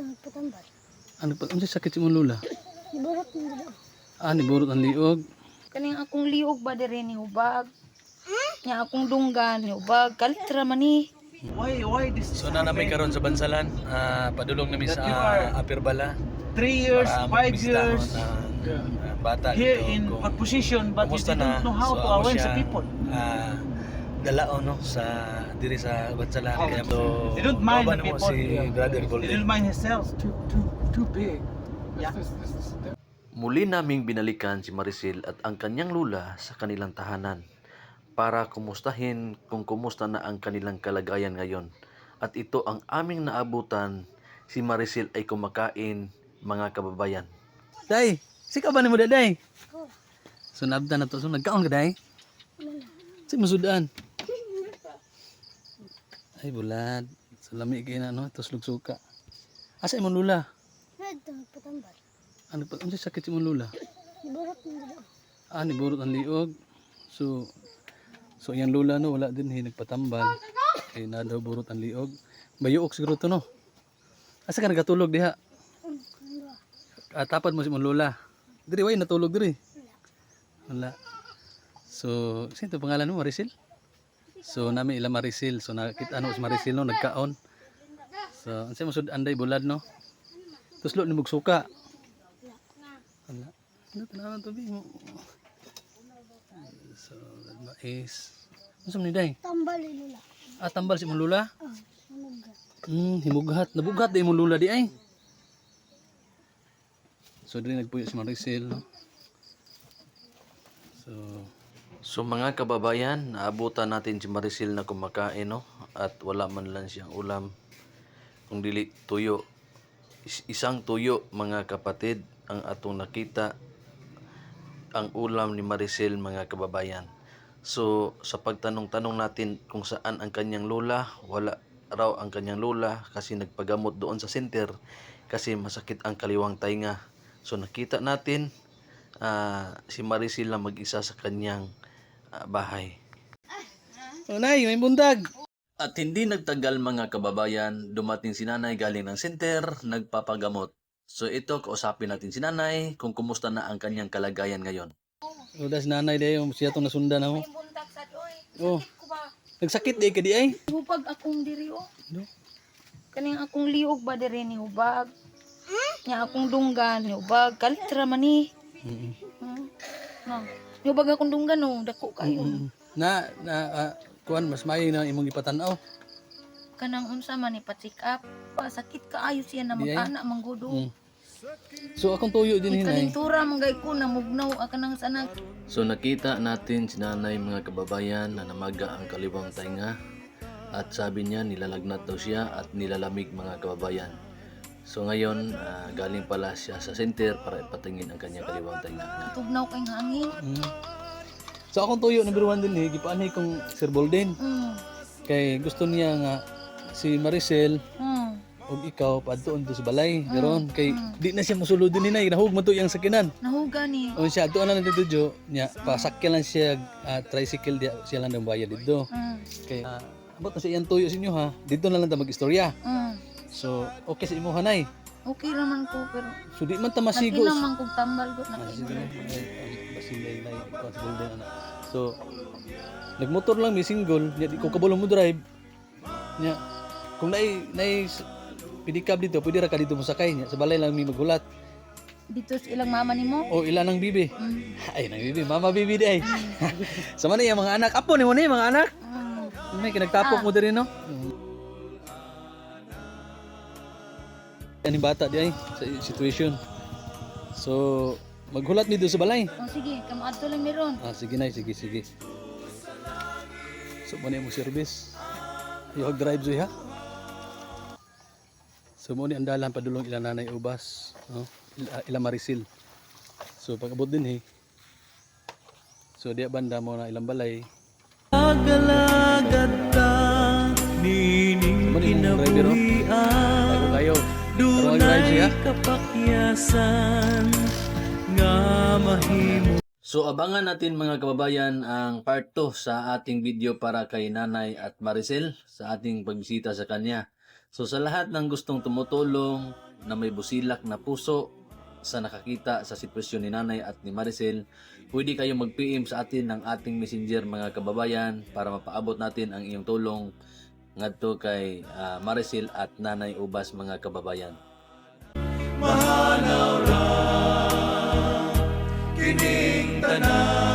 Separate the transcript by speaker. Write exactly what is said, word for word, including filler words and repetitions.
Speaker 1: nagpatambal.
Speaker 2: Ano pa? Ano sakit si mong lula?
Speaker 1: Iburot mo dito.
Speaker 2: Ah, niburot ang liog.
Speaker 3: Kaning akong liog ba dire ni hubag. Nya akong dunggan ni hubag. Kalitra man ni.
Speaker 4: Why, why this?
Speaker 2: So na namin karon sa Bansalan, ah, padulong namin
Speaker 4: That
Speaker 2: sa
Speaker 4: you are-
Speaker 2: Apirbala.
Speaker 4: Three years,
Speaker 2: para
Speaker 4: five
Speaker 2: magbisitahon
Speaker 4: years
Speaker 2: ang, ah, bata
Speaker 4: here
Speaker 2: dito
Speaker 4: in
Speaker 2: kung
Speaker 4: a position, but you
Speaker 2: kumusta
Speaker 4: didn't
Speaker 2: na.
Speaker 4: know how
Speaker 2: So,
Speaker 4: to
Speaker 2: ako
Speaker 4: aware
Speaker 2: siya,
Speaker 4: sa people.
Speaker 2: ah, dalao no sa diri sa Bansalan. Kaya so,
Speaker 4: They don't mind
Speaker 2: kawan
Speaker 4: the
Speaker 2: mo
Speaker 4: people.
Speaker 2: si Brother
Speaker 4: He
Speaker 2: Golden.
Speaker 4: didn't mind himself.
Speaker 5: Too, too, too big.
Speaker 4: Yeah.
Speaker 6: Muli naming binalikan si Maricel at ang kanyang lula sa kanilang tahanan para kumustahin kung kumusta na ang kanilang kalagayan ngayon. At ito ang aming naabutan, si Maricel ay kumakain, mga kababayan.
Speaker 2: Day, sika ba ni mo day?
Speaker 1: Oh,
Speaker 2: So nabda na to. So nagkaon ka day?
Speaker 1: wala.
Speaker 2: Si masudaan. Ay bulad. So lami kay na no, tuslog suka. Asa imong lula?
Speaker 1: Ito nagpatambal.
Speaker 2: Ano pa? Ano sakit si mong lula?
Speaker 1: Iburot mo dito.
Speaker 2: Ah, niburot ang liog. So, so yung lula no, wala din eh, nagpatambal. Kaya na daw burot ang liog. Bayuok siguro to no. Asa ka nagatulog diha? Ah, tapad mo si mong lula. Diri, way, natulog diri. Wala. So, sino to pangalan mo, Maricel? So, namin ila Maricel. So, nakita ano si Maricel no, nagkaon. So, ang mo sud anday bulad no. Tuslo ni mugsuka. Wala. Ano tanawan to bi mo? So, mais. Ano sa ni day?
Speaker 1: Tambal nila.
Speaker 2: Ah, tambal si mong lula?
Speaker 1: Oh, manuga.
Speaker 2: Hmm, himughat. Nabughat di mong lula di ay. So, dili nagpuyo si Maricel no. So,
Speaker 6: So mga kababayan, naabutan natin si Maricel na kumakain no, at wala man lang siyang ulam. Kung dili tuyo, Is- isang tuyo mga kapatid ang atong nakita ang ulam ni Maricel mga kababayan. So sa pagtanong-tanong natin kung saan ang kanyang lola, wala raw ang kanyang lola kasi nagpagamot doon sa center kasi masakit ang kaliwang tainga. So nakita natin ah, si Maricel na mag-isa sa kanyang ah, bahay.
Speaker 2: oh, nay, may bundag.
Speaker 6: At hindi nagtagal mga kababayan, dumating si nanay galing ng center, nagpapagamot. So ito, kausapin natin si nanay kung kumusta na ang kanyang kalagayan ngayon.
Speaker 2: Oh, das nanay day, um, siya tong nasundan ako.
Speaker 3: May buntag sa doy.
Speaker 2: Oh,
Speaker 3: Sakit ko ba?
Speaker 2: nagsakit di ka di ay.
Speaker 3: Hubag akong diri oh.
Speaker 2: No?
Speaker 3: Kaning akong liog ba dire ni hubag. Nya akong dunggan ni hubag. Kalitra man ni.
Speaker 2: Mm.
Speaker 3: Hmm. No. Ni hubag akong dunggan no, dako kayo.
Speaker 2: Mm. Na na ah, kuan mas maayo na imong gipatan-aw.
Speaker 3: Kanang unsa man ni pa-check up. Pa sakit kaayo siya na
Speaker 2: Di ay.
Speaker 3: mag-ana manggudo.
Speaker 2: Mm. So akong tuyo din hinay.
Speaker 3: Ikalintura manggay ko na mugnaw ka nang sanak.
Speaker 6: So nakita natin si nanay mga kababayan na namaga ang kaliwang tainga at sabi niya nilalagnat daw siya at nilalamig mga kababayan. So ngayon ah, galing pala siya sa center para ipatingin ang kanyang kaliwang tainga.
Speaker 3: Tugnaw kay hangin.
Speaker 2: Mm. So akong tuyo number one din eh, gipaanay kong Sir Bolden.
Speaker 3: Mm.
Speaker 2: Kay gusto niya nga si Maricel
Speaker 3: Mm.
Speaker 2: og ikaw padtuon to sa balay. Garon kay di na siya mosulod din hinay, nahug man to yang sakinan.
Speaker 3: Nahuga ni.
Speaker 2: O siya adto na lang dito jo nya pasakyan lang siya ah, tricycle di siya lang nang bayad dito.
Speaker 3: Mm.
Speaker 2: Kay ah, abot na sa iyang tuyo sa inyo ha. Dito na lang ta mag-istorya.
Speaker 3: Mm.
Speaker 2: So okay sa imo hanay.
Speaker 3: Okay raman ko pero
Speaker 2: So di man ta masigo.
Speaker 3: nagilang man kog tambal gud na
Speaker 2: Ah,
Speaker 3: kay.
Speaker 2: sige na. Basilay na yung golden ana. So nagmotor lang may single, nya di ko kabalo mo drive. Nya kung nay nay pedicab dito, pwede ra ka dito mo sakay nya sa balay lang mi maghulat.
Speaker 3: Dito sa ilang mama nimo.
Speaker 2: O ilan ang bibi?
Speaker 3: Mm.
Speaker 2: Ay nang bibi, mama bibi di ay. Sama na yung mga anak. Apo ni mo ni mga anak.
Speaker 3: Mm.
Speaker 2: May kinagtapok mo diri no. Ani bata di ay sa situation. So maghulat mi dito sa balay.
Speaker 3: Oh sige, kamaadto lang meron.
Speaker 2: Ah, sige na, sige, sige. So, muna mo service. Yung drive zoy ha. So, muna ang dalan padulong ilang nanay ubas. No? Ila, ilang Maricel. So, pag-abot din eh. So, diya banda mo na ilang balay.
Speaker 4: Agalagad ka, nining
Speaker 2: Muna yung driver no? Bago kayo. Pero mag-drive siya.
Speaker 4: kapakyasan, nga mahimo.
Speaker 6: So abangan natin mga kababayan ang part two sa ating video para kay Nanay at Maricel sa ating pagbisita sa kanya. So sa lahat ng gustong tumutulong, na may busilak na puso sa nakakita sa sitwasyon ni Nanay at ni Maricel, pwede kayong mag-P M sa atin ng ating messenger mga kababayan para mapaabot natin ang iyong tulong ngadto kay ah, Maricel at Nanay Ubas mga kababayan.
Speaker 4: Mahanaw ra kining tanan